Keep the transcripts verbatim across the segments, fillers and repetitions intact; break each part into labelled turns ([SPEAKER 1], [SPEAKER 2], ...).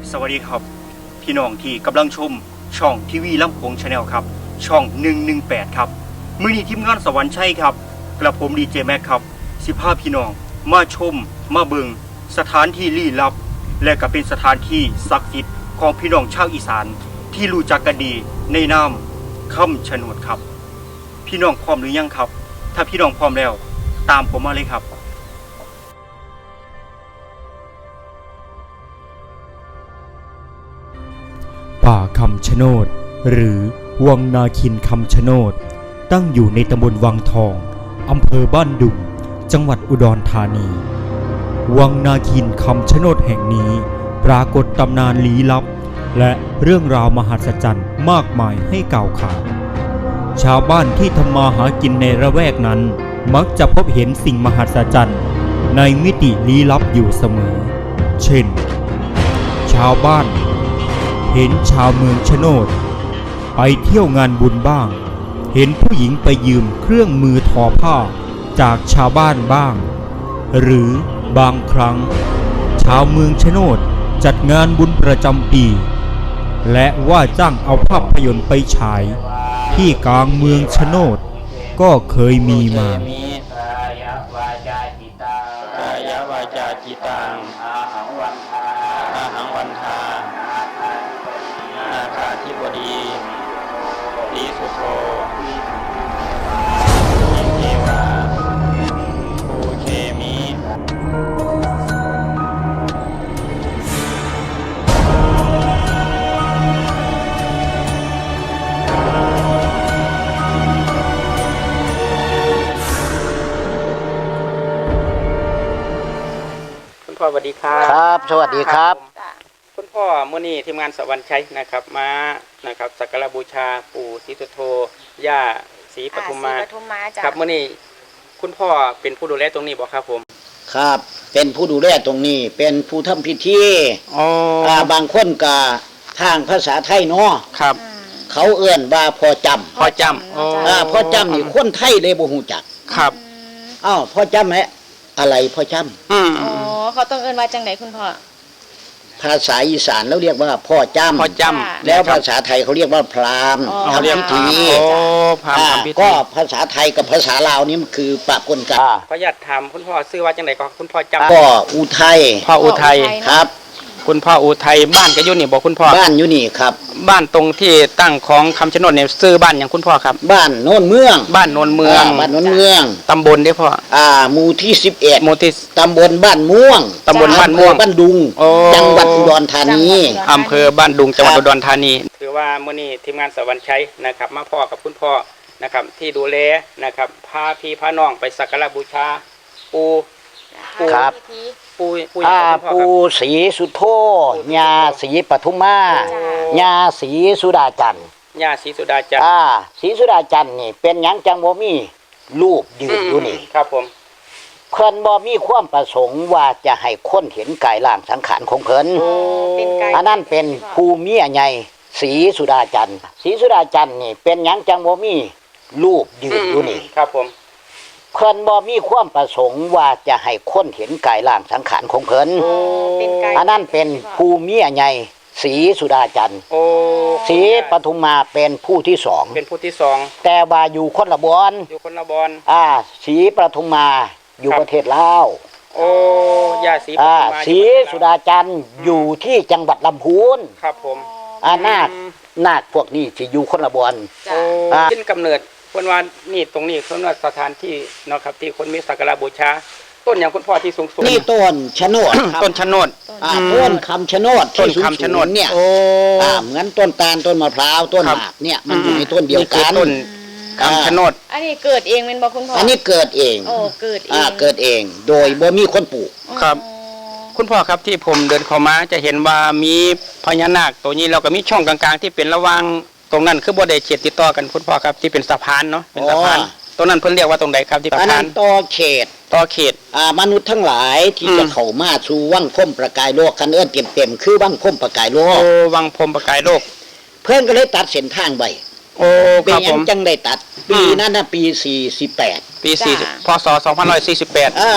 [SPEAKER 1] สวัสดีครับพี่น้องที่กำลังชมช่องทีวีลำโพงชาแนลครับช่องหนึ่งหนึ่งแปดครับมื้อนี้ทีมงานสวรรค์ชัยครับกระผมดีเจแม็กครับสิพาพี่น้องมาชมมาเบิงสถานที่ลี้ลับและก็เป็นสถานที่ศักดิ์สิทธิ์ของพี่น้องชาวอีสานที่รู้จักกันดีในนามคำชะโนดครับพี่น้องพร้อมหรือยังครับถ้าพี่น้องพร้อมแล้วตามผมมาเลยครับ
[SPEAKER 2] ป่าคำชะโนดหรือวังนาคินคำชะโนดตั้งอยู่ในตำบลวังทองอำเภอบ้านดุงจังหวัดอุดรธานีวังนาคินคำชะโนดแห่งนี้ปรากฏตำนานลี้ลับและเรื่องราวมหัศจรรย์มากมายให้กล่าวขานชาวบ้านที่ทำมาหากินในระแวกนั้นมักจะพบเห็นสิ่งมหัศจรรย์ในมิติลี้ลับอยู่เสมอเช่นชาวบ้านเห็นชาวเมืองชะโนดไปเที่ยวงานบุญบ้างเห็นผู้หญิงไปยืมเครื่องมือทอผ้าจากชาวบ้านบ้างหรือบางครั้งชาวเมืองชะโนดจัดงานบุญประจำปีและว่าจ้างเอาภาพยนตร์ไปฉายที่กลางเมืองชะโนดก็เคยมีมาก
[SPEAKER 3] ายาวาจาจิตังกายาวาจาจิตังอาหังวันทาอาหังวันทานาคาธิบดีลีสุโธเทวาภูเคมีพ่อสวัสดีครับ
[SPEAKER 4] ครับสวัสดีครับ
[SPEAKER 3] คุณพ่อมื้อนี้ทีมงานสวรรค์ชัยนะครับมานะครับสักการะบูชาปู่ศรีสุโธย่าศรีปทุมมาครับมื้อนี้คุณพ่อเป็นผู้ดูแลตรงนี้บ่ครับผม
[SPEAKER 4] ครับเป็นผู้ดูแลตรงนี้เป็นผู้ทำพิธี
[SPEAKER 3] อ๋อ
[SPEAKER 4] อ่าบางคนก็ทางภาษาไทยเนาะ
[SPEAKER 3] ครับ
[SPEAKER 4] เขาเอื้อนว่าพ่อจำ
[SPEAKER 3] พ่อจำอ๋อ
[SPEAKER 4] อ่าพ่อจำนี่คนไทยเลยบ่ฮู้จัก
[SPEAKER 3] ครับ
[SPEAKER 4] อ้าวพ่อจำแหละอะไรพ่อจำ
[SPEAKER 5] อ๋อเขาต้องเอิ้นว่าจังไดคุณพ่อ
[SPEAKER 4] ภาษาอีสานแล้วเรียกว่าพ่อจำ
[SPEAKER 3] พ่อจำ
[SPEAKER 4] แล้วภาษาไทยเขาเรียกว่าพราหมณ์ทำพิธี
[SPEAKER 3] โอ้พราหมณ์ทำพิธี
[SPEAKER 4] ก็ภาษาไทยกับภาษาลาวนี่มันคือปะปนกัน
[SPEAKER 3] ขออนุญาตถามคุณพ่อชื่อว่าจังไดก็คุณพ่อจำ
[SPEAKER 4] ก็อุทัย
[SPEAKER 3] พ่ออุทัย
[SPEAKER 4] ครับ
[SPEAKER 3] คุณพ่ออุทัยบ้านก็อยู่นี่บอกคุณพ่อ
[SPEAKER 4] บ้านอยู่นี่ครับ
[SPEAKER 3] บ้านตรงที่ตั้งของคำชะโนดเนี่ยซื้อบ้านอย่างคุณพ่อครับ
[SPEAKER 4] บ้านโน่นเมือง
[SPEAKER 3] บ้านโนนเมือง
[SPEAKER 4] บ้านโน่นเมือง
[SPEAKER 3] ตำบลเด้อพ่อ
[SPEAKER 4] อ่าหมู่ที่สิบเอ็ด
[SPEAKER 3] หมู่ที่
[SPEAKER 4] ตำบลบ้านม่วง
[SPEAKER 3] ตำบลบ้านม่วง
[SPEAKER 4] บ้านดุงจังหวัดอุดรธานี
[SPEAKER 3] อำเภอบ้านดุงจังหวัดอุดรธานีถือว่ามื้อนี้ทีมงานสวรรค์ชัยนะครับมาพ่อกับคุณพ่อนะครับที่ดูแลนะครับพาพี่พาน้องไปสักการะบูชาปู่
[SPEAKER 4] ปู่ครับ
[SPEAKER 3] ปู่ปู่
[SPEAKER 4] ปู่ศรีสุโธย่าศรีปทุมมาย่าศรีสุดาจันทร์
[SPEAKER 3] ย่าศรีสุดาจันทร์
[SPEAKER 4] อ่าศรีสุดาจันทร์นี่เป็นหยังจังบ่มีรูปยืนอยู่นี่
[SPEAKER 3] ครับผม
[SPEAKER 4] เพิ่นบ่มีความประสงค์ว่าจะให้คนเห็นกายร่างสังขารของเพิ่นอันนั้นเป็นภูมิใหญ่ศรีสุดาจันทร์ศรีสุดาจันทร์นี่เป็นหยังจังบ่มีรูปยืนอยู่นี่
[SPEAKER 3] ครับผม
[SPEAKER 4] เพิ่นบ่มีความประสงค์ว่าจะให้คนเห็นกายร่างสังขารของเพิ่นอันนั้นเป็นภูมิใหญ่ศรีสุดาจันทร์ศรีปทุมมาเป็นผู้ที่สอง
[SPEAKER 3] เป็นผู้ที่สอง
[SPEAKER 4] แต่ว่าอยู่คนละบอน
[SPEAKER 3] อยู่คนละบอน
[SPEAKER 4] อ่าศรีปทุมมาอยู่ประเทศลาว
[SPEAKER 3] โอ้ย่าศรีปทุมมา
[SPEAKER 4] ศรีสุดาจันทร์อยู่ที่จังหวัดลำพูน
[SPEAKER 3] ครับผม
[SPEAKER 4] อ่านาคนาคพวกนี้สิอยู่คนละบอน
[SPEAKER 3] โอ้ขึ้นกำเนิดคนว่านี่ตรงนี้เขาว่าสถานที่เนาะครับที่คนมีสักการะบูชาต้นอย่างคุณพ่อที่สูงสูง
[SPEAKER 4] นี่ต้นชะโนด
[SPEAKER 3] ต้นชะโนด
[SPEAKER 4] อ่าต้นคำชะโนดที่สูงสูงเนี่ย
[SPEAKER 3] โอ้
[SPEAKER 4] อ่าเหมือนต้นตาลต้นมะพร้าวต้นหมากเนี่ยมันอยู่ในต้นเดียวกัน
[SPEAKER 3] ต้นคำชะโนด
[SPEAKER 5] อันนี้เกิดเองเป็นบ่คุณพ่อ
[SPEAKER 4] อันนี้เกิดเอง
[SPEAKER 5] โอ้เกิดเอง
[SPEAKER 4] อ่าเกิดเองโดยบ่มีคนปลูก
[SPEAKER 3] ครับคุณพ่อครับที่ผมเดินเข้ามาจะเห็นว่ามีพญานาคตัวนี้เราก็มีช่องกลางๆที่เป็นระหว่างตรงนั้นคือบ่ได้เขตติดต่อกันคุณพ่อครับที่เป็นสะพานเนาะเป็นสะพานตรงนั้นเพิ่นเรียกว่าตรงไหนครับที่สะพาน
[SPEAKER 4] อันนั้นต่อเขต
[SPEAKER 3] ต่อเขต
[SPEAKER 4] อ่ามนุษย์ทั้งหลายที่จะเข้ามาสู่วังพรมประกายโลกคันเอิ้นเต็มๆคือวังพรมประกายโลก
[SPEAKER 3] โอ้วังพรมประกายโลก
[SPEAKER 4] เพิ่นก็เลยตัดเส้นทางไว้
[SPEAKER 3] โอ้ครับผม
[SPEAKER 4] จังได้ตัดปีนั้นน่ะปีสี่สิบแปด
[SPEAKER 3] ปีสี่พ.ศ. สองพันห้าร้อยสี่สิบแปด
[SPEAKER 4] อ่า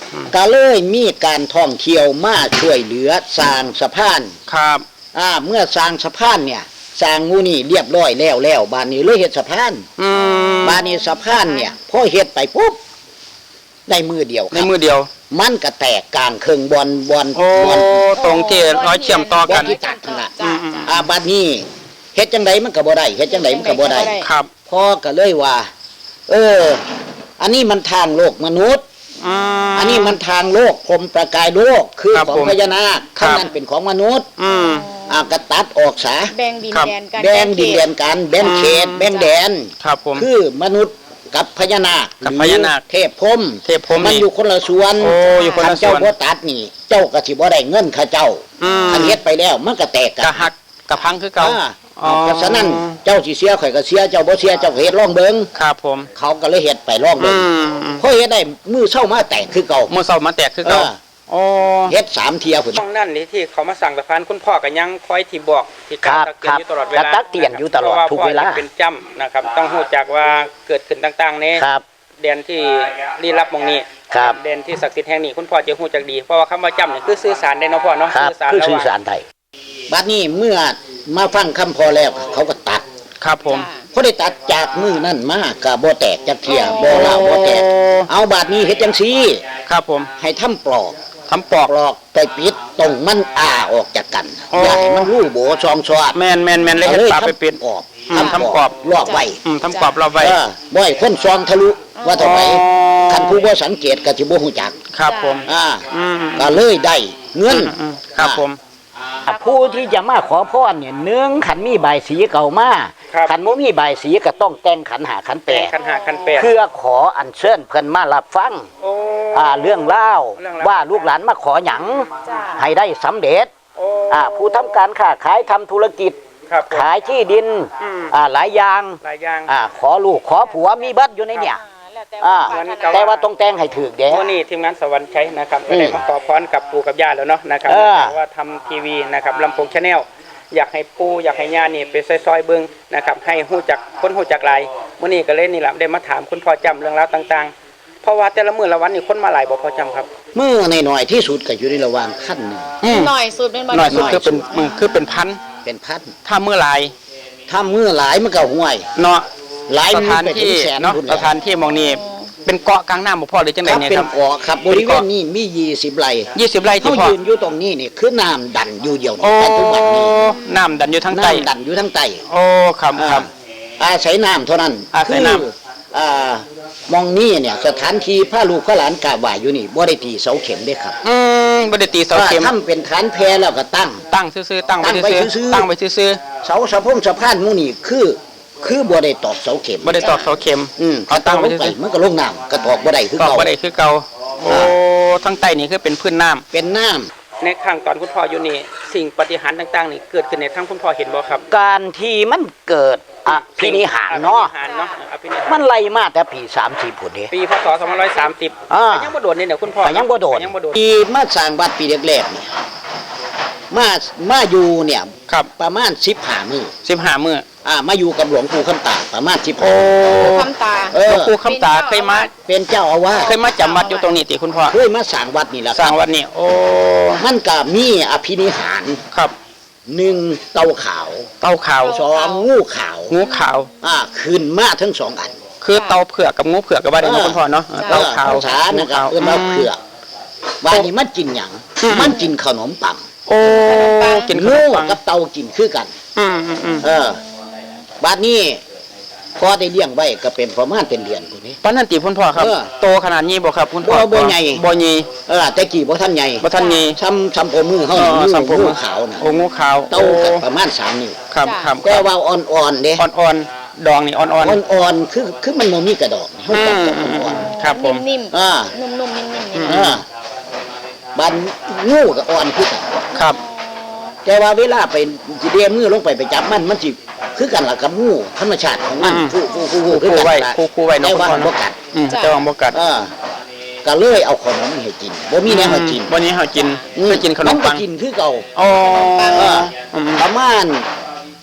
[SPEAKER 4] ก็เลยมีการท่องเที่ยวมาช่วยเหลือสร้างสะพาน
[SPEAKER 3] ครับ
[SPEAKER 4] อ่าเมื่อสร้างสะพานเนี่ยสร้างงูนี่เรียบร้อยแล้วแล้วบ้านนี้เลยเฮ็ดสะพาน
[SPEAKER 3] อืม
[SPEAKER 4] บ้านนี้สะพานเนี่ยพอเฮ็ดไปปุ๊บได้มือเดียวค
[SPEAKER 3] ใน
[SPEAKER 4] รับ
[SPEAKER 3] มือเดียว
[SPEAKER 4] มันก็แตกกลางเครื่องบอลบอล
[SPEAKER 3] โอ้
[SPEAKER 4] บอล
[SPEAKER 3] ตรงที่ร้อยเชื่อมต่อบ
[SPEAKER 4] อ
[SPEAKER 3] กั
[SPEAKER 4] ล
[SPEAKER 3] น
[SPEAKER 4] ที่ตัดนั่นล่ะ
[SPEAKER 5] จ้า
[SPEAKER 3] อืม
[SPEAKER 4] อ่าบ้านนี้เฮ็ดจังไดมันก็บ่ได้เฮ็ดจังไดมันก็บ่ได้
[SPEAKER 3] ครับ
[SPEAKER 4] พ่อก็เลยว่า เออ อันนี้มันทางโลกมนุษย์
[SPEAKER 3] อืม
[SPEAKER 4] อันนี้มันทางโลกพรหมประกายโลกคือ
[SPEAKER 3] ครับ
[SPEAKER 4] ของ
[SPEAKER 3] ผม
[SPEAKER 4] พญานาค
[SPEAKER 3] ครับ
[SPEAKER 4] ข้างนั้นเป็นของมนุษย์
[SPEAKER 3] อืม
[SPEAKER 4] อ่าก็ตัดออกซะ
[SPEAKER 5] แบ่งดิน
[SPEAKER 3] ครับ
[SPEAKER 5] แดนกัน
[SPEAKER 4] แบ่งดินแดนกันแบ่งเขต
[SPEAKER 3] อืม
[SPEAKER 4] แบ่งแดน
[SPEAKER 3] ครับผม
[SPEAKER 4] คือมนุษย์กับพญานาค
[SPEAKER 3] กับ
[SPEAKER 4] หรือ
[SPEAKER 3] พญานาค
[SPEAKER 4] เทพพรหม
[SPEAKER 3] เทพพรหม
[SPEAKER 4] มัน
[SPEAKER 3] นี่
[SPEAKER 4] อยู่คนละส่วน
[SPEAKER 3] โอ้อยู่คนละ
[SPEAKER 4] คัเจ้า
[SPEAKER 3] ส่วน
[SPEAKER 4] บ่ตัดนี่ เจ้าก็สิบ่ได้เงินข้าเจ้า
[SPEAKER 3] อืม
[SPEAKER 4] อันเฮ็ดไปแล้วมันก็แตกกัน
[SPEAKER 3] กะหักกะพังคือเก่า
[SPEAKER 4] อ่า
[SPEAKER 3] อ๋อ
[SPEAKER 4] เพราะฉะนั้นเจ้าสิเสียข่อยก็เสียเจ้าบ่เสียเจ้าก็เฮ็ดร่องเบิง
[SPEAKER 3] ครับผม
[SPEAKER 4] เขาก็เลยเฮ็ดไปร่องเบิ
[SPEAKER 3] อื
[SPEAKER 4] ง
[SPEAKER 3] ม
[SPEAKER 4] พอเฮ็ดได้มือเช้ามาแตกคือเก่า
[SPEAKER 3] มือเสามาแตกคือเก่า
[SPEAKER 4] เออ
[SPEAKER 3] โอ้
[SPEAKER 4] เฮ็ดสามเที่ยพุ่น
[SPEAKER 3] ช่องนั่นนี่ที่เขามาสั่งสะพานคุณพ่อก็ยังคอยที่บอกที่
[SPEAKER 4] ครั
[SPEAKER 3] การ
[SPEAKER 4] บ
[SPEAKER 3] ตักเตือนอยู่ตลอดเวลา
[SPEAKER 4] ครับตักเตือนอยู่ตลอด
[SPEAKER 3] พราะา
[SPEAKER 4] ทุกเวลา
[SPEAKER 3] พ่อเป็นจ้ำนะครับ ต้องรู้จักว่าเกิดขึ้นต่างๆใน
[SPEAKER 4] ครับ
[SPEAKER 3] แดนที่ลี้ลับหมองนี้
[SPEAKER 4] ครับ
[SPEAKER 3] แดนที่ศักดิ์สิทธิ์แห่งนี้คุณพ่อจะรู้จักดีเพราะว่าคำว่าจ้ำนี่คือสื่อสารได้เนาะพ่อเนาะ
[SPEAKER 4] ครับ
[SPEAKER 3] สื่อสาร
[SPEAKER 4] คือ
[SPEAKER 3] ระห
[SPEAKER 4] สื่อ
[SPEAKER 3] ว่าง
[SPEAKER 4] สารไทยบัดนี้เมื่อมาฟังคำพอแล้วเขาก็ตัด
[SPEAKER 3] ครับผม
[SPEAKER 4] พอได้ตัดจากมือนั่นมาก็บ่แตกจักเที่ยบ่ลาวบ่แตก เอาบาดนี้เฮ็ดจังซี่
[SPEAKER 3] ครับผม
[SPEAKER 4] ให้ทำปลอก
[SPEAKER 3] ทำปอก
[SPEAKER 4] ปลอกไปปิดตรงมันอ้าออกจากกัน
[SPEAKER 3] อ๋อ
[SPEAKER 4] อย่าให้มันรูโบซองซอด
[SPEAKER 3] แมนแมนแมนเลยเห็ดปลาไปปิด
[SPEAKER 4] ออก
[SPEAKER 3] อืมทำกรอบ
[SPEAKER 4] รอบไว้
[SPEAKER 3] อืมทำกรอบเราไว้
[SPEAKER 4] เออบ่ให้คนซองทะลุว่าเท่าไหร่
[SPEAKER 3] อ๋อ
[SPEAKER 4] คันผู้บ่สังเกตก็สิบ่ฮู้จัก
[SPEAKER 3] ครับผม
[SPEAKER 4] อ่า
[SPEAKER 3] อืม
[SPEAKER 4] ก็เลยได้เงิน
[SPEAKER 3] อืมครับผม
[SPEAKER 4] อ่าผู้ที่จะมาขอพรเนี่ยหนึ่งขันมีใบายสีเก่ามา
[SPEAKER 3] ครับ
[SPEAKER 4] ขันบ่มีใบายสีก็ต้องแต่งขันหาขันแป
[SPEAKER 3] แป
[SPEAKER 4] ด
[SPEAKER 3] ดคันหาคันแปด
[SPEAKER 4] เพื่อขออัญเชิญเพิ่นมารับฟัง
[SPEAKER 3] โอ้
[SPEAKER 4] อ่าเรื่องเล่าว
[SPEAKER 3] เรื่องราว
[SPEAKER 4] ว่าลูกหลานมาขอหยัง
[SPEAKER 5] จ้า
[SPEAKER 4] ให้ได้สำเร็จ
[SPEAKER 3] โอ้
[SPEAKER 4] อ่าผู้ทำการค้าขายทำธุรกิจ
[SPEAKER 3] ครับผม
[SPEAKER 4] ขายที่ดิน
[SPEAKER 3] อืม
[SPEAKER 4] อ่าหลายอย่าง
[SPEAKER 3] หลายอย่าง
[SPEAKER 4] อ่าขอลูกขอผัวมีเบัดอยู่ในเนี่ย
[SPEAKER 5] แล้วแต่
[SPEAKER 4] อ่า
[SPEAKER 5] ว่า
[SPEAKER 4] แต่ว่าต้องแต่งให้ถูกเด้
[SPEAKER 3] วันนี้ทีมงานสวรรค์ใช้นะครับก็
[SPEAKER 4] อืม
[SPEAKER 3] ได้มาขอพรกับปู่กับย่าแล้วเนาะนะครับ
[SPEAKER 4] เออ
[SPEAKER 3] ว่าทำทีวีนะครับลำโพงชาแนลอยากให้ปู่อยากให้ย่านี่ไปซอยๆเบิ้งนะครับให้ฮู้จักคนฮู้จักหลายวันนี้ก็เลยนี่แหละได้มาถามคุณพ่อจำเรื่องราวต่างๆ เพราะว่าแต่ละมื้อละวันนี่คนมาหลายบ่พอจำครับ
[SPEAKER 4] มือในหน่อยๆที่สุดก็อยู่ในระหว่างขั้นหนึ่ง
[SPEAKER 5] หน่อยสุดเป็นบ่
[SPEAKER 3] หน่อยสุด
[SPEAKER 5] ห
[SPEAKER 3] คือเป็นมือคือเป็นพัน
[SPEAKER 4] เป็นพัน
[SPEAKER 3] ถ้ามื้อหลาย
[SPEAKER 4] ถ้ามือหลายมันก็ห่วย
[SPEAKER 3] เนาะ
[SPEAKER 4] หลาย
[SPEAKER 3] ส
[SPEAKER 4] มือ
[SPEAKER 3] ถาน
[SPEAKER 4] ไปถึ
[SPEAKER 3] ที่
[SPEAKER 4] งแสน
[SPEAKER 3] เนาะ
[SPEAKER 4] พุ่น
[SPEAKER 3] ส
[SPEAKER 4] แล้ว
[SPEAKER 3] ถานที่หมองนี้เป็นเกาะกลางน้ำบ่พอหรือจัง
[SPEAKER 4] ค
[SPEAKER 3] ได
[SPEAKER 4] รับ
[SPEAKER 3] เนี่ย
[SPEAKER 4] เป็น
[SPEAKER 3] ครับ
[SPEAKER 4] เกาะครับบริเวณนี้มียี่สิบไร่
[SPEAKER 3] ยี่สิบไร่ที่
[SPEAKER 4] เขา
[SPEAKER 3] พ่อ
[SPEAKER 4] ยืนอยู่ตรงนี้นี่คือน้ำดันอยู่เดียวนี่
[SPEAKER 3] โอ้
[SPEAKER 4] ปัจจุบันนี้
[SPEAKER 3] น้ำดันอยู่ทั้งใต้
[SPEAKER 4] น้ำดันอยู่ทั้งใต้
[SPEAKER 3] โอ้ครับครับ
[SPEAKER 4] อ่าอาศัยน้ำเท่านั้น
[SPEAKER 3] อาศัยน้ำ
[SPEAKER 4] คืออ่ามองนี่เนี่ยสถานที่พระลูกพระหลานกราบไหว้อยู่นี่บ่ได้ตีเสาเข็มเด้ครับ
[SPEAKER 3] อืมบ่ได้ตีเสาเข็ม
[SPEAKER 4] ถ้าทำเป็นฐานแพแล้วก็ตั้ง
[SPEAKER 3] ตั้งซื่อๆตั้งไว้
[SPEAKER 4] ตั้งไว้
[SPEAKER 3] ซื่อ
[SPEAKER 4] ซื่อ
[SPEAKER 3] ๆ
[SPEAKER 4] ๆ
[SPEAKER 3] ตั้งไว้ซื่อ
[SPEAKER 4] เสาสะพงสะพานหมู่นี่คือ คือบ่ได้ตอกเสาเข็ม
[SPEAKER 3] ๆบ่ได้ตอกเสาเข็ม
[SPEAKER 4] อืม
[SPEAKER 3] เขาตั้งไว้
[SPEAKER 4] ลงไป
[SPEAKER 3] ซื่อ
[SPEAKER 4] มันก็ลงน้ำก็ตอกบ่ได้คือ
[SPEAKER 3] ๆตอก
[SPEAKER 4] เก่า
[SPEAKER 3] บ่ได้คือเก่าโอ้ทั้งใต้นี่คือเป็นพื้นน้ำ
[SPEAKER 4] เป็นน้ำ
[SPEAKER 3] ในข้างตอนคุณพ่ออยู่นี่สิ่งปฏิหารย์ต่างๆนี่เกิดขึ้นในทั้งคุณพ่อเห็นบ่ครับ
[SPEAKER 4] การที่มันเกิดอภินิหารเนาะ
[SPEAKER 3] อภินิหารเนาะอภินิหาร
[SPEAKER 4] มันไล่มาแต่ปีสามสี่พุ่นเด้
[SPEAKER 3] ปีพศสองพันหนึ่งร้อยสามสิบ
[SPEAKER 4] อ่า
[SPEAKER 3] ก็ยังบ่โดดนี่เนี่ยคุณพ่อ
[SPEAKER 4] ก็ยังบ่โดด
[SPEAKER 3] ก็ยังบ่โดด
[SPEAKER 4] ปีมาสร้างวัดปีแรกๆเนี่ยมามาอยู่เนี่ย
[SPEAKER 3] ครับ
[SPEAKER 4] ประมาณสิบห้ามื้อ
[SPEAKER 3] สิบห้ามื้อ
[SPEAKER 4] อ่ามาอยู่กับหลวงปู่คำตาประมาณสิบ
[SPEAKER 3] โอ้
[SPEAKER 5] คำตา
[SPEAKER 4] เอ
[SPEAKER 3] หล
[SPEAKER 4] อ
[SPEAKER 3] วงปู่คำตาเคยมา
[SPEAKER 4] เป็นเจ้าอาวาส
[SPEAKER 3] เคยมาจำวัดอยู่ตรงนี้ติคุณพ่อ
[SPEAKER 4] เคยมาสร้างวัดนี่แหละ
[SPEAKER 3] สร้างวัดนี่โอ้
[SPEAKER 4] มันก็มีอภินิหาร
[SPEAKER 3] ครับ
[SPEAKER 4] หนึ่งเต่าขาว
[SPEAKER 3] เต่าขาว
[SPEAKER 4] สองงูขาว
[SPEAKER 3] งูขาว
[SPEAKER 4] อ่าขึ้นมาทั้งสองอัน
[SPEAKER 3] คือเต่าเผือกกับงูเผือกกับว่าได้เนาะคุณพ่อเนาะเต่าขาว
[SPEAKER 4] ภาษานะครับเอื้อมาเผือกว่านี่มันกินหยัง
[SPEAKER 3] อืม
[SPEAKER 4] มันกินขนมปัง
[SPEAKER 3] โอ้กินขน
[SPEAKER 4] งู
[SPEAKER 3] มปัง
[SPEAKER 4] กับเต่ากินคือกัน
[SPEAKER 3] อืมอืมอืม
[SPEAKER 4] เออบ้านนี้พอได้เลี้ยงไว้ก็เป็นประมาณเป็นเดือนตัวนี้
[SPEAKER 3] ปานนั้นติคุณพ่อครับ
[SPEAKER 4] เออ
[SPEAKER 3] โตขนาดนี้บ่ครับคุณพ่อ
[SPEAKER 4] บ่บ่ใหญ่
[SPEAKER 3] บ่ใหญ่
[SPEAKER 4] เออแต่กี่บ่ท่านใหญ่
[SPEAKER 3] บ่ทันใหญ่
[SPEAKER 4] ซ้ำซ้ำโอมือเฮา
[SPEAKER 3] เออ
[SPEAKER 4] งู
[SPEAKER 3] สังคม
[SPEAKER 4] งูขาวน่ะ
[SPEAKER 3] โอ้งูขาว
[SPEAKER 4] เต่าก็ประมาณสามนิ้ว
[SPEAKER 3] ครับครับ
[SPEAKER 4] แต่ว่าอ่อนๆเด้
[SPEAKER 3] อ่อนๆดองนี่อ่อนๆ
[SPEAKER 4] อ่อนๆคือคือมันบ่มีกระดอกเฮา
[SPEAKER 3] อื
[SPEAKER 4] ตัด
[SPEAKER 3] ม
[SPEAKER 4] จาก
[SPEAKER 3] อืม
[SPEAKER 4] อ่อน
[SPEAKER 3] ครับผม
[SPEAKER 5] นิ่ม
[SPEAKER 4] ๆอ่า
[SPEAKER 5] ๆนุ่มๆนิ่มๆนี่
[SPEAKER 4] อ่าบ้านงูก็อ่อนคือกัน
[SPEAKER 3] ครับ
[SPEAKER 4] แต่ว่าเวลาไปสิเดียมือลงไปไปจับมันมันสิคือกันล่ะกับงูธรรมชาติของมัน
[SPEAKER 3] อืม
[SPEAKER 4] คู่คู่คู่คู่คือ
[SPEAKER 3] คู่
[SPEAKER 4] กัน
[SPEAKER 3] ไว้
[SPEAKER 4] ล่ะ
[SPEAKER 3] คู่คู่ไว้เนาะ
[SPEAKER 4] แต่ว่า
[SPEAKER 3] คุณพ่อ
[SPEAKER 4] มันบ่กัด
[SPEAKER 3] อืมแต่ว่าบ่กัด
[SPEAKER 4] เออก็เลยเอาขนมให้กินบ่มีแนวให้กิน
[SPEAKER 3] วันนี้เฮากิน
[SPEAKER 4] อืม
[SPEAKER 3] เคยกินขนมปัง
[SPEAKER 4] ก็กินคือเก่า
[SPEAKER 3] อ๋อ
[SPEAKER 4] เออ
[SPEAKER 3] อืม
[SPEAKER 4] ประมาณ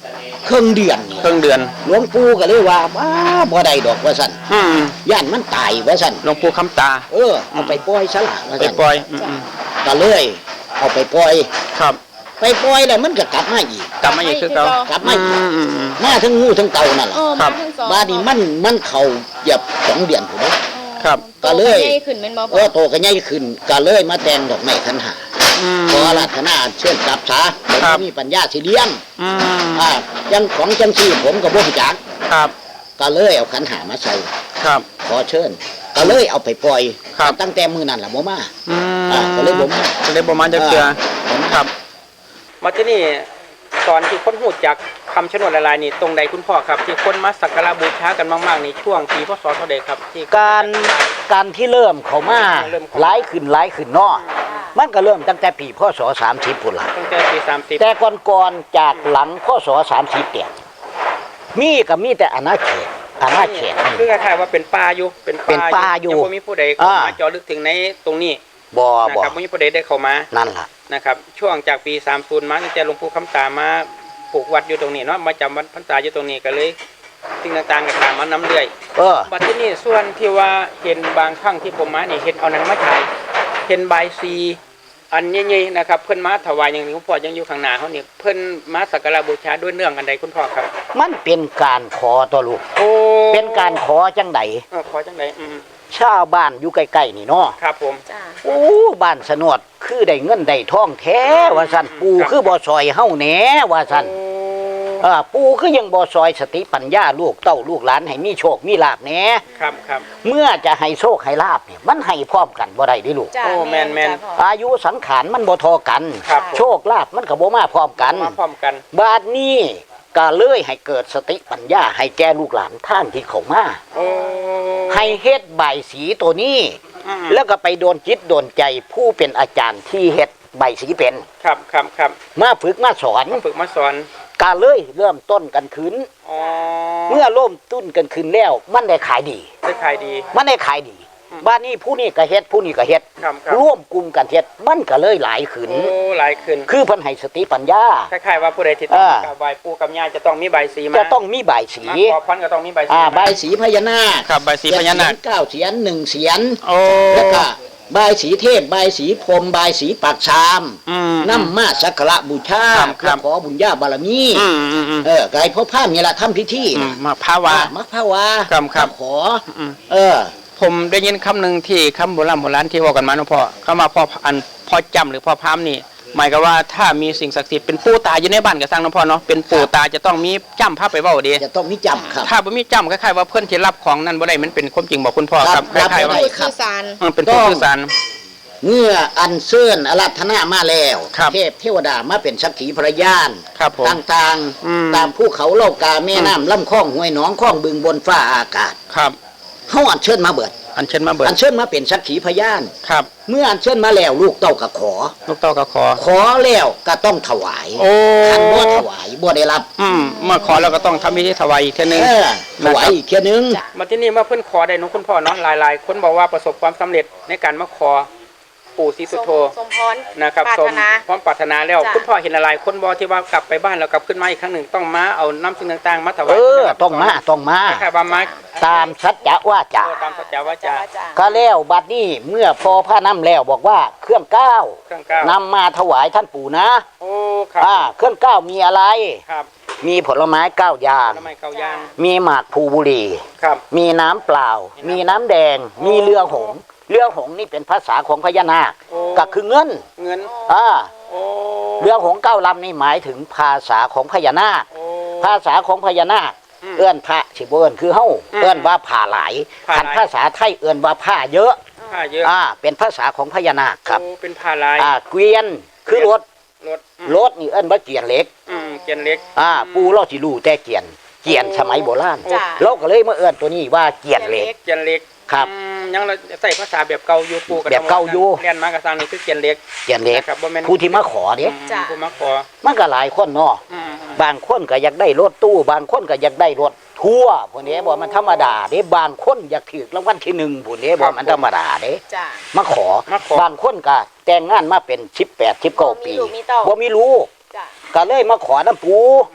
[SPEAKER 4] เครื่องเดือนนี่
[SPEAKER 3] เครื่องเดือน
[SPEAKER 4] หลวงปู่ก็เลยว่าว้าบ่ได้ดอกว่าซั่น
[SPEAKER 3] อืม
[SPEAKER 4] ย่านมันตายว่าซั่น
[SPEAKER 3] หลวงปู่คำตา
[SPEAKER 4] เออเอาไปปล่อยซะล่ะว่า
[SPEAKER 3] ไป
[SPEAKER 4] ซั่น
[SPEAKER 3] ปล่อยอืมอืม
[SPEAKER 4] ก็เลยเอาไปปล่อย
[SPEAKER 3] ครับ
[SPEAKER 4] ไปปล่อยแล้วมันก็กลับมาอีก
[SPEAKER 3] กลับมาอีกคือเก่าก
[SPEAKER 4] ลับมาอีก
[SPEAKER 3] อืมอืมอืม
[SPEAKER 4] มาทั้งงูทั้งเต่านั่นล่ะ
[SPEAKER 5] เออ
[SPEAKER 3] ครั
[SPEAKER 5] มา
[SPEAKER 3] บ
[SPEAKER 5] ทั้งสอง
[SPEAKER 4] บ้านนี้มันมันเข้าเหยียบสองเดือนพุ่นเด้
[SPEAKER 3] ครับ
[SPEAKER 4] ก็เลย
[SPEAKER 5] ใหญ่ขึ้นแม่นบ่
[SPEAKER 4] เออโตก็ใหญ่ขึ้นก็เลยมาแต่งดอกไม้ขันหา
[SPEAKER 3] อืม
[SPEAKER 4] ขอรัตนาเชิญกลับซะผม
[SPEAKER 3] ครับ
[SPEAKER 4] มีปัญญาสิเลี้ยง
[SPEAKER 3] อืม
[SPEAKER 4] อ่ายังของจังซี่ผมก็บ่รู้จัก
[SPEAKER 3] ครับ
[SPEAKER 4] ก็เลยเอาขันหามาใส่
[SPEAKER 3] ครับ
[SPEAKER 4] ขอเชิญก็เลยเอาไปปล่อย
[SPEAKER 3] ครับ
[SPEAKER 4] ตั้งแต่มื้อนั้นล่ะบ่มา
[SPEAKER 3] อืม
[SPEAKER 4] อ่าก็เลยบ่มา
[SPEAKER 3] ก็เลยบ่มาจักเทื่อ
[SPEAKER 4] ผม
[SPEAKER 3] ครับ มาที่นี่ตอนที่คนหูจากคำชะโนดหลายๆนี่ตรงใดคุณพ่อครับที่คนมาสักการะบูชากันมากๆนี่ช่วงปีพศเท่าใดครับที่
[SPEAKER 4] การการที่เริ่มเข้ามา
[SPEAKER 3] เริ่มเข้ามา
[SPEAKER 4] หลายขึ้นหลายขึ้นเนาะมันก็เริ่มตั้งแต่ปีพศสามสิบพุ่นล่ะ
[SPEAKER 3] ตั้งแต่ปีสามสิบ
[SPEAKER 4] แต่ก่อนๆจากหลังพศสามสิบเนี่ยมีก็มีแต่อาณาเขตอาณาเขตนี่
[SPEAKER 3] คือคล้ายๆว่าเป็นป่าอยู่เป็น
[SPEAKER 4] เป็นป่าอยู่
[SPEAKER 3] ยังบ่มีผู้ใดเข้ามา
[SPEAKER 4] อ่า
[SPEAKER 3] เจาะลึกถึงในตรงนี้
[SPEAKER 4] บ่
[SPEAKER 3] นะ
[SPEAKER 4] บ่
[SPEAKER 3] ครับบ่มีผู้ใดได้เข้ามา
[SPEAKER 4] นั่นล่ะ
[SPEAKER 3] นะครับช่วงจากปีสามสิบมาตั้งแต่หลวงปู่คำตามาปลูกวัดอยู่ตรงนี้เนาะมาจำวัดพรรษาอยู่ตรงนี้ก็เลยสิ่งต่างๆก็ตามมาน้ำเรื่อย
[SPEAKER 4] เออ
[SPEAKER 3] บัดที่นี่ส่วนที่ว่าเห็นบางครั้งที่ผมมานี่เห็นเอาหนังมาฉายเห็นใบายซีอันใหญ่ๆนะครับเพิ่นมาถวายอย่างนี้คุณพ่อยังอยู่ข้างหน้าเขานี่เพิ่นมาสักการะบูชาด้วยเนื่องกันใดคุณพ่อครับ
[SPEAKER 4] มันเป็นการขอตัวลูก
[SPEAKER 3] โอ้
[SPEAKER 4] เป็นการขอจังได
[SPEAKER 3] เออขอจังไดอืม
[SPEAKER 4] ชาวบ้านอยู่ใกล้ๆนี่เนาะ
[SPEAKER 3] ครับผม
[SPEAKER 5] จ้า
[SPEAKER 4] โอ้บ้านสนวดคือได้เงินได้ทองแท้ว่าซั่นปู่คือบ่ซอยเฮาแหน่ว่าซั่น
[SPEAKER 3] โอ้
[SPEAKER 4] เออปู่คือยังบ่ซอยสติปัญญาลูกเต้าลูกหลานให้มีโชคมีลาภแหน่
[SPEAKER 3] ครับครับ
[SPEAKER 4] เมื่อจะให้โชคให้ลาภเนี่ยมันให้พร้อมกันบ่ได้เดิลูก
[SPEAKER 5] จ้า
[SPEAKER 3] โอ้แม่นแม่น
[SPEAKER 5] จ้าพ่อ
[SPEAKER 4] อายุสังขารมันบ่เทอกัน
[SPEAKER 3] ครับผม
[SPEAKER 4] โชคลาภมันก็บ่มาพร้อมกัน
[SPEAKER 3] มาพร้อมกัน
[SPEAKER 4] บาดนี้ก็เลยให้เกิดสติปัญญาให้แก่ลูกหลานท่านที่เขามา
[SPEAKER 3] โอ้
[SPEAKER 4] ให้เฮ็ดใบายสีตัวนี้
[SPEAKER 3] อืม
[SPEAKER 4] แล้วก็ไปโดนจิตโดนใจผู้เป็นอาจารย์ที่เฮ็ดใบายสีเป็น
[SPEAKER 3] ครับครับครับ
[SPEAKER 4] มาฝึกมาสอน
[SPEAKER 3] มาฝึกมาสอน
[SPEAKER 4] ก็เลยเริ่มต้นกันขึ้น
[SPEAKER 3] อ๋อ
[SPEAKER 4] เมื่อเริ่มต้นกันขึ้นแล้วมันได้ขายดี
[SPEAKER 3] ได้ขายดี
[SPEAKER 4] มันได้ขายดี
[SPEAKER 3] อืม
[SPEAKER 4] บ้านนี้ผู้นี้ก็เฮ็ดผู้นี้ก็เฮ็ด
[SPEAKER 3] ครับครับ
[SPEAKER 4] ร่วมกลุ่มกันเฮ็ดมันก็เลยหลายขึ้น
[SPEAKER 3] โอ้หลายขึ้น
[SPEAKER 4] คือเพิ่นให้สติปัญญา
[SPEAKER 3] คล้ายๆว่าผู้ใดที่ต้อง
[SPEAKER 4] อ่า
[SPEAKER 3] กราบไหว้ปู่กับย่าจะต้องมีใบสีมา
[SPEAKER 4] จะต้องมีใบายสี
[SPEAKER 3] มาขอพรก็ต้องมีใบสี
[SPEAKER 4] อ่า
[SPEAKER 3] มา
[SPEAKER 4] ใบายสีพญานาค
[SPEAKER 3] ครับใบสีพญานาค
[SPEAKER 4] เจ็ดเสียนเก้าเสียนหนึ่งเสียน
[SPEAKER 3] โอ้
[SPEAKER 4] แล้วก็ใบายสีเทพใบายสีพรหมใบายสีปากชาม
[SPEAKER 3] อืม
[SPEAKER 4] นำมาสักการะบูชา
[SPEAKER 3] ครับครั
[SPEAKER 4] เพื่อบ ขอบุญญาบารมี
[SPEAKER 3] อืมอืมอืม
[SPEAKER 4] เออไก่พ่อพามนี่ล่ะทำพิธี
[SPEAKER 3] อืมมาพาวา
[SPEAKER 4] อ่มักพาวา
[SPEAKER 3] ครับครับ
[SPEAKER 4] มาขอ
[SPEAKER 3] อืม
[SPEAKER 4] เออ
[SPEAKER 3] ผมได้ยินคำหนึ่งที่คำโบราณโบราณที่ว่ากันมาเนาะพ่อเข้ามาพ่ออันพ่อจำหรือพ่อพามนี่หมายก็ว่าถ้ามีสิ่งศักดิ์สิทธิ์เป็นปู่ตาอยู่ในบ้านก็สร้างเนาะพ่อเนาะเป็นปู่ตาจะต้องมีจำพาไปเว้าดี
[SPEAKER 4] จะต้องมีจำครับ
[SPEAKER 3] ถ้าบ่มีจำคล้ายๆว่าเพื่อนที่รับของนั้นบ่ได้มันเป็นความจริงบอกคุณพ่อ
[SPEAKER 4] ค
[SPEAKER 3] ค
[SPEAKER 4] รั
[SPEAKER 3] รั
[SPEAKER 4] บบ
[SPEAKER 3] คล้ายๆว่า
[SPEAKER 4] รับบ่ได้
[SPEAKER 5] พูดสื่อสาร
[SPEAKER 3] เออเป็นผู้สื่อสาร
[SPEAKER 4] เมื่ออันเชิญอารัธนามาแล้ว
[SPEAKER 3] ครับ
[SPEAKER 4] เทพเทวดามาเป็นสักขีพระยาน
[SPEAKER 3] ครับผม
[SPEAKER 4] ต่าง
[SPEAKER 3] อืม
[SPEAKER 4] ๆ ตามภูเขาเล่ากาแม่น้ำลำคลองห้วยหนองคลองบึงบนฟ้าอากาศ
[SPEAKER 3] ครับ
[SPEAKER 4] เฮาอันเชิญมาเบิด
[SPEAKER 3] อันเชิญมาเบิด
[SPEAKER 4] อันเชิญมาเป็นสักขีพยาน
[SPEAKER 3] ครับ
[SPEAKER 4] เมื่ออันเชิญมาแล้วลูกเต้าก็ขอ
[SPEAKER 3] ลูกเต้าก็ขอ
[SPEAKER 4] ขอแล้วก็ต้องถวาย
[SPEAKER 3] โอ้
[SPEAKER 4] คันบ่ถวายบ่ได้รับ
[SPEAKER 3] อืมเมื่อขอแล้วก็ต้องทำพิธีถวายอีกเท่านึง
[SPEAKER 4] เออถวายอีกเที่ยนึง
[SPEAKER 5] จ้ะ
[SPEAKER 3] มาที่นี่เมื่อเพิ่นขอได้เน้องคุณพ่อเนาะหลายๆ คนบอกว่าประสบความสำเร็จในการมาขอปู่ศรีสุโธ
[SPEAKER 5] สมพร
[SPEAKER 3] นะครับ
[SPEAKER 5] ปราร
[SPEAKER 3] สม
[SPEAKER 5] ถนา
[SPEAKER 3] พร้อมปรารถนาแล้ว
[SPEAKER 5] จ้ะ
[SPEAKER 3] คุณพ่อเห็นอะไรคนบอกที่ว่ากลับไปบ้านแล้วกลับขึ้นมาอีกครั้งหนึ่งต้องมาเอาน้ำสิ่งต่างๆมาถวา
[SPEAKER 4] เอย อต้องมาต้องมา
[SPEAKER 3] คล้ายๆว่ามา
[SPEAKER 4] ตามสัจจะว่าจะ
[SPEAKER 3] ตามสัจจาวาจา
[SPEAKER 5] จ้า
[SPEAKER 4] ก็แล้วบัดนี้เมื่อพอพระน้ำแล้วบอกว่าเครื่องเก้า
[SPEAKER 3] เครื่องก้าวน
[SPEAKER 4] ำมาถวายท่านปู่นะ
[SPEAKER 3] โอ้ครับ
[SPEAKER 4] อ่าเครื่องเก้ามีอะไร
[SPEAKER 3] ครับ
[SPEAKER 4] มีผลไม้เก้าอย่าง
[SPEAKER 3] ทำไมเกาย่าง
[SPEAKER 4] มีหมากภูบุหรี
[SPEAKER 3] ครับ
[SPEAKER 4] มีน้ำเปล่า มีน้ำแดง มีเรือหงส์เรือหงส์นี่เป็นภาษาของพญานาค
[SPEAKER 3] โอ้
[SPEAKER 4] ก็คือเงิน
[SPEAKER 3] เงิน
[SPEAKER 4] อ่า
[SPEAKER 3] โอ้
[SPEAKER 4] เรือหงส์เก้าลำนี่หมายถึงภาษาของพญานาค
[SPEAKER 3] โอ้
[SPEAKER 4] ภาษาของพญานาค
[SPEAKER 3] อืม
[SPEAKER 4] เอื้อนพระสิบเอื้อนคือเฮ้า
[SPEAKER 3] อืม
[SPEAKER 4] เอื้อนว่าผ่าหลาย
[SPEAKER 3] ผ่าหลาย
[SPEAKER 4] คันภาษาไทยเอื้อนว่าผ้าเยอะ
[SPEAKER 3] ผ้าเยอะ
[SPEAKER 4] อ่าเป็นภาษาของพญานาคครับ
[SPEAKER 3] โอ้เป็นผ้าลาย
[SPEAKER 4] อ่าเกวียนคือรถ
[SPEAKER 3] รถอืม
[SPEAKER 4] รถนี่เอื้อนว่าเกียนเหล็ก
[SPEAKER 3] อืมเกียนเล็ก
[SPEAKER 4] อ่าปูเราสิรู้แต่เกียนเกียนสมัยโบราณ
[SPEAKER 5] จ้ะ
[SPEAKER 4] เราก็เลยมาเอื้อนตัวนี้ว่าเกียนเหล็ก
[SPEAKER 3] เกียนเล็ก
[SPEAKER 4] ครับ
[SPEAKER 3] อืมยังเราใส่ภาษาแบบเก่าอยู่ปู่กับ
[SPEAKER 4] แบบเก่าอยู่
[SPEAKER 3] เรียนมากระซังนี่คือเกียนเล็ก
[SPEAKER 4] เกียนเหล็ก
[SPEAKER 3] นะครับบ่แม่น
[SPEAKER 4] ผู้ที่มาขอเด้
[SPEAKER 3] อืม
[SPEAKER 5] จ้ะ
[SPEAKER 3] ผู้มาขอ
[SPEAKER 4] มันก็หลายคนเนาะ
[SPEAKER 3] อืมอืม
[SPEAKER 4] บางคนก็อยากได้รถตู้ บางคนก็อยากได้รถทัวร์พวกนี้บ่มันธรรมดาเด้บางคนอยากถือรางวัลที่หนึ่งพวกนี้บ่มันธรรมดาเด้
[SPEAKER 5] จ้า
[SPEAKER 4] มาขอ
[SPEAKER 3] มาขอ
[SPEAKER 4] บางคนก็แต่งงานมาเป็นสิบแปด สิบเก้า
[SPEAKER 5] บ่มี
[SPEAKER 4] ปี
[SPEAKER 5] ลูกมีเต้า
[SPEAKER 4] บ่มีลูก
[SPEAKER 5] จ้า
[SPEAKER 4] ก็เลยมาขอน้ำปู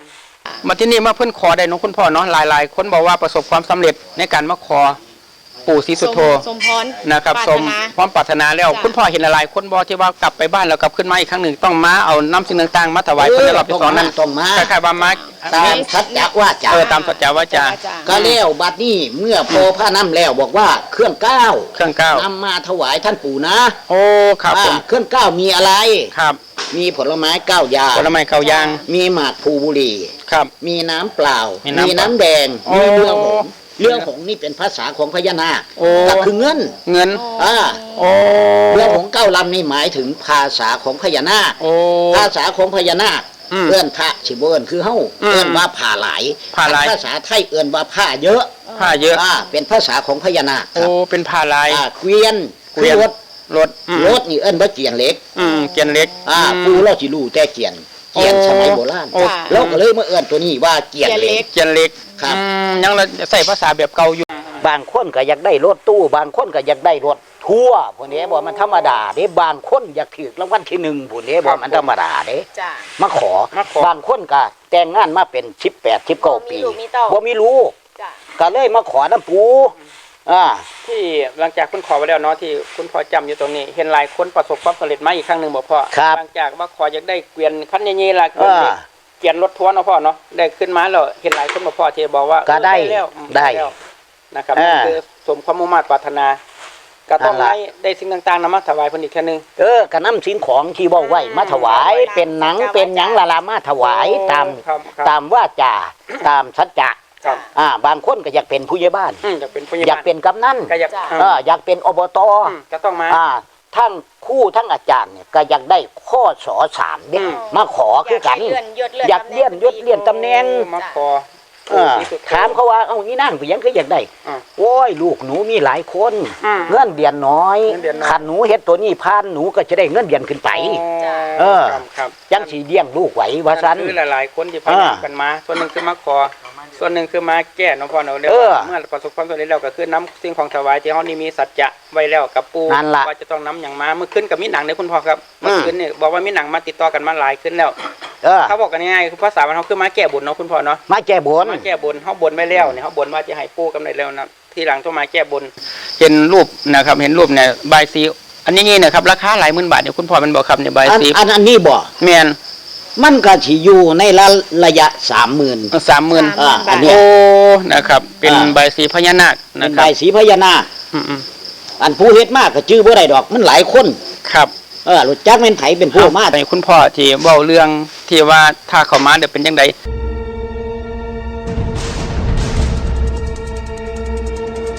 [SPEAKER 3] มาที่นี่มาเพิ่นขอได้เน้องคุณพ่อเนาะหลายๆ คนบอกว่าประสบความสำเร็จในการมาขอปู่ศรีสุโธ
[SPEAKER 5] สมพร
[SPEAKER 3] นะครับ
[SPEAKER 5] ปา
[SPEAKER 3] ส
[SPEAKER 5] ถ
[SPEAKER 3] ม
[SPEAKER 5] นา
[SPEAKER 3] พร้อมปรารถนาแล้ว
[SPEAKER 5] จ้ะ
[SPEAKER 3] คุณพ่อเห็นหลายๆคนบอกที่ว่ากลับไปบ้านแล้วกลับขึ้นมาอีกครั้งหนึ่งต้องมาเอาน้ำสิ่งต่างๆมาถวายเพื่อได้รับไปสอนนั้น
[SPEAKER 4] ต้องมา
[SPEAKER 3] คล้ายๆว่ามา
[SPEAKER 4] ตามสัจจะว่าจา
[SPEAKER 3] เออตามสัจจาวาจา
[SPEAKER 4] ก็แล้วบัดนี้เมื่อโพผ้าน้ำแล้วบอกว่าเครื่องเก้า
[SPEAKER 3] เครื่องเก้าน
[SPEAKER 4] ำมาถวายท่านปู่นะ
[SPEAKER 3] โอ้ครับผม
[SPEAKER 4] อ่าเครื่องเก้ามีอะไร
[SPEAKER 3] ครับ
[SPEAKER 4] มีผลไม้เก้าอย่าง
[SPEAKER 3] ผลไม้เก้าอย่าง
[SPEAKER 4] มีหมากพลูบุหรี่
[SPEAKER 3] ครับ
[SPEAKER 4] มีน้ำเปล่า
[SPEAKER 3] มีน้ำ
[SPEAKER 4] มีน้ำแดง
[SPEAKER 3] โอ้
[SPEAKER 4] มีเรือหงส์เรือหงส์นี่เป็นภาษาของพญานาค
[SPEAKER 3] โอ้
[SPEAKER 4] ก็คือเงิน
[SPEAKER 3] เงิน
[SPEAKER 4] อ่า
[SPEAKER 3] โอ้
[SPEAKER 4] เรือหงส์เก้าลำนี่หมายถึงภาษาของพญานาค
[SPEAKER 3] โอ้
[SPEAKER 4] ภาษาของพญานาค
[SPEAKER 3] อืม
[SPEAKER 4] เอื้อนพระสิบเอื้อนคือเฮ้า
[SPEAKER 3] อืม
[SPEAKER 4] เอื้อนว่าผ่าหลาย
[SPEAKER 3] ผ่าหลาย
[SPEAKER 4] ภาษาไทยเอื้อนว่าผ้าเยอะ
[SPEAKER 3] ผ้าเยอะ
[SPEAKER 4] อ่าเป็นภาษาของพญานาคค
[SPEAKER 3] โอ้
[SPEAKER 4] รับ
[SPEAKER 3] เป็นผ้าลาย
[SPEAKER 4] อ่าเกวียน
[SPEAKER 3] เกวียน
[SPEAKER 4] รถ
[SPEAKER 3] รถอืม
[SPEAKER 4] รถนี่เอื้อนว่าเกียนเล็ก
[SPEAKER 3] อืมเกียนเล็ก
[SPEAKER 4] อ่า
[SPEAKER 3] อืม
[SPEAKER 4] ปูเราสิรู้แต่เกียนเกียน
[SPEAKER 3] โอ้
[SPEAKER 4] สมัยโบราณ
[SPEAKER 3] โอ้
[SPEAKER 4] เราก็เลยมาเอื้อนตัวนี้ว่าเกียนเล็ก
[SPEAKER 3] เกียนเล็ก
[SPEAKER 4] ครับ
[SPEAKER 3] อืมยังเราใส่ภาษาแบบเก่าอยู่
[SPEAKER 4] บางคนก็อยากได้รถตู้ บางคนก็อยากได้รถทัวร์พวกนี้บอกมันธรรมดาเด้บางคนอยากถือรางวัลที่หนึ่งพวกนี้บอกมันธรรมดาเด้
[SPEAKER 5] จ้ะ
[SPEAKER 4] มาขอ
[SPEAKER 3] มาขอ
[SPEAKER 4] บางคนก็แต่งงานมาเป็นสิบแปดสิบเก้าปี
[SPEAKER 5] บ่มีลูกมีเต้า
[SPEAKER 4] บ่มีลูก
[SPEAKER 5] จ้ะ
[SPEAKER 4] ก็เลยมาขอน้ำปูอ่า
[SPEAKER 3] ที่หลังจากคุณขอไปแล้วเนาะที่คุณพ่อจำอยู่ตรงนี้ เห็นหลายคนประสบความสำเร็จมาอีกครั้งหนึ่งบ่พ่อ
[SPEAKER 4] ครับ
[SPEAKER 3] หลังจากว่าขออยากได้เกวียนคันใหญ่ๆล่ะเกวียน
[SPEAKER 4] อ่า
[SPEAKER 3] เล็กเกวียนรถทัวร์เนาะพ่อเนาะได้ขึ้นมาแล้วเห็นหลายคนบ่พ่อที่บอกว่า
[SPEAKER 4] ก็ได้
[SPEAKER 3] เออแล้วอืม
[SPEAKER 4] ได้
[SPEAKER 3] แล้วนะครับ
[SPEAKER 4] อ่า
[SPEAKER 3] นี่คือสมความมุ่งมั่นปรารถนา ก็ต้อง
[SPEAKER 4] นั่นล่ะ
[SPEAKER 3] ให้ได้สิ่งต่างๆนำมาถวายเพิ่นอีกแค่นึง
[SPEAKER 4] เออกระน้ำสินของที่บอกไว้มาถวาย เป็นหนังเป็นหยังละลามาถวายตาม
[SPEAKER 3] ครับครับ
[SPEAKER 4] ตามว่าจาตามสัจจะ
[SPEAKER 3] ครับ
[SPEAKER 4] อ่าบางคนก็อยากเป็นผู้ใหญ่บ้าน
[SPEAKER 3] อืมอยากเป็นผู้ใหญ่
[SPEAKER 4] อยากเป็นกำนัน
[SPEAKER 3] ก็อยาก
[SPEAKER 5] จ้ะ
[SPEAKER 3] อืม
[SPEAKER 4] เอออยากเป็นอบต
[SPEAKER 3] อืมก็ต้องมา
[SPEAKER 4] อ่าทั้งครู่ทั้งอาจารย์เนี่ยก็อยากได้ข้อสอสามเด็ก
[SPEAKER 3] อืม
[SPEAKER 4] มาขอคือกัน
[SPEAKER 5] อยากให้เลื่อนยศเลื่อน
[SPEAKER 4] อยากเลื่อนยศเลื่อนตำแหน่ง
[SPEAKER 3] มาขอ
[SPEAKER 4] เออ
[SPEAKER 3] ที่สุด
[SPEAKER 4] ถามเขาว่าเอ้านี่นั่งไปยังก็อยากได้
[SPEAKER 3] อ่า
[SPEAKER 4] โอ้ยลูกหนูมีหลายคน
[SPEAKER 3] อืม
[SPEAKER 4] เงินเดือนน้อย
[SPEAKER 3] เงินเดือนน้อย
[SPEAKER 4] ขันหนูเฮ็ดตัวนี้พานหนูก็จะได้เงินเดือนขึ้นไป เออ
[SPEAKER 3] ครับครับ
[SPEAKER 4] ยังสีเลี้ยงลูกไหวว่าซัน
[SPEAKER 3] คือหลายๆคนที่พยายามกันมา ส่วนหนึ่งคือมาขอ ส่วนหนึ่งคือมาแก้เนาะพ่อเนาะเรียก
[SPEAKER 4] เออ
[SPEAKER 3] ว่าเมื่อประสบความสำเร็จแล้วก็คือน้ำสิ่งของถวายที่เฮานี่มีสัจจะไว้แล้วกับปู่
[SPEAKER 4] นั่นล่ะ
[SPEAKER 3] ว่าจะต้องน้ำอย่างมาเมื่อคืนกับมีหนังเนี่ยคุณพ่อครับ
[SPEAKER 4] อื
[SPEAKER 3] เมื่อ
[SPEAKER 4] ม
[SPEAKER 3] คืนเนี่ยบอกว่ามีหนังมาติดต่อกันมาหลายขึ้นแล้ว
[SPEAKER 4] เออ
[SPEAKER 3] เขาบอกกันง่ายๆคือภาษามันเขาคือมาแก้บุญเนาะคุณพ่อเนาะ
[SPEAKER 4] มาแก้บน
[SPEAKER 3] มาแก้บนเขาบนไว้แล้วเนี่ยเขาบนว่าจะให้ปู่กำไรแล้วนะทีหลังต้องมาแก้บน เห็นรูปนะครับเห็นรูปเนี่ยใบายสีอันนี้นี่นะครับราคาหลายหมื่นบาทเนี่ยคุณพ่อมันบอกครับเนี่ยใบาย
[SPEAKER 4] อัน
[SPEAKER 3] สี
[SPEAKER 4] อันอันนี้บ่
[SPEAKER 3] แม่น
[SPEAKER 4] มันก็สิอยู่ในระระยะสามหมื่น
[SPEAKER 3] สามหมื่น
[SPEAKER 4] อ่าอันเนี้ย
[SPEAKER 3] โอ้นะครับ เป็น
[SPEAKER 4] อ่า
[SPEAKER 3] ใบายสีพญานาค
[SPEAKER 4] เป็
[SPEAKER 3] นะ
[SPEAKER 4] น
[SPEAKER 3] ค
[SPEAKER 4] ใบ
[SPEAKER 3] รับ
[SPEAKER 4] สีพญานาค
[SPEAKER 3] อืม
[SPEAKER 4] อันผู้เฮ็ดมากก็ชื่อบ่ได้ดอกมันหลายคน
[SPEAKER 3] ๆครับ
[SPEAKER 4] เออรู้จักแม่นไผเป็นผู้มา
[SPEAKER 3] ในคุณพ่อที่เว้าเรื่องที่ว่าถ้าเขามาเดี๋ยวเป็นยังไง